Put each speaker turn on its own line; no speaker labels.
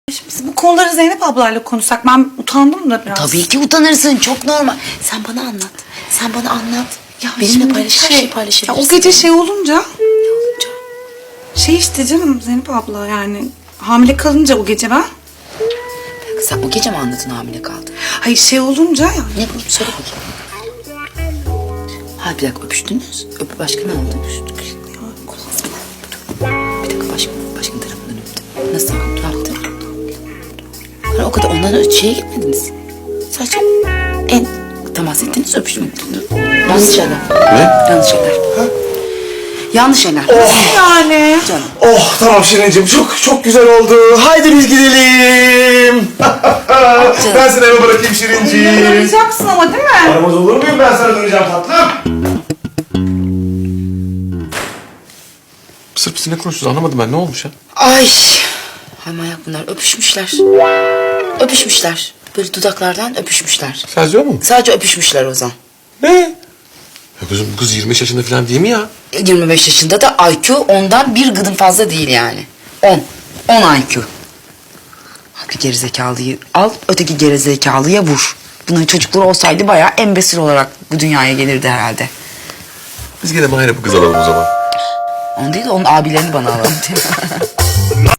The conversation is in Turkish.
Şimdi biz bu konuları Zeynep ablayla konuşsak, ben utandım da biraz.
Tabii ki utanırsın, çok normal. Sen bana anlat. Sen bana anlat.
Ya
Benimle
şimdi
paylaş, her şeyi paylaşabilirsin.
Ya o gece şey olunca,
Ne olunca?
şey işte canım Zeynep abla, yani hamile kalınca o gece ben.
Sen o gece mi anladın hamile kaldın?
Hayır şey olunca ya.
Ne bu? Söyle bakayım. Ha bir dakika öpüştünüz. Başka ne oldu? Öpüştük. Bir dakika başka tarafından öptü. Nasıl? Ne yaptı? Hani o kadar ondan şeye gitmediniz. Sadece en temas ettiniz öpüşmek. Yanlış şeyler.
Ne?
Yanlış şeyler. Yanlış şeyler.
Yani.
Canım.
Oh tamam Şirincim çok güzel oldu. Haydi biz gidelim. Ben seni eve bırakayım Şirincim.
Arayacaksın ama değil mi?
Aramaz olur muyum, ben sana döneceğim tatlım.
Sırf biz ne konuşuyoruz anlamadım ben, ne olmuş ya?
Ay. Hay manyak bunlar öpüşmüşler. Öpüşmüşler. Böyle dudaklardan öpüşmüşler.
Sadece o mu?
Sadece öpüşmüşler Ozan.
Ne? Ya kızım bu kız 25 yaşında falan değil mi ya?
25 yaşında da IQ ondan bir gıdım fazla değil yani. 10. 10 IQ. Bir gerizekalıyı al, öteki gerizekalıya vur. Bunların çocukları olsaydı bayağı embesil olarak bu dünyaya gelirdi herhalde.
Biz gene Mahir'e bu kız alalım o zaman.
Onu değil de onun abilerini bana alalım.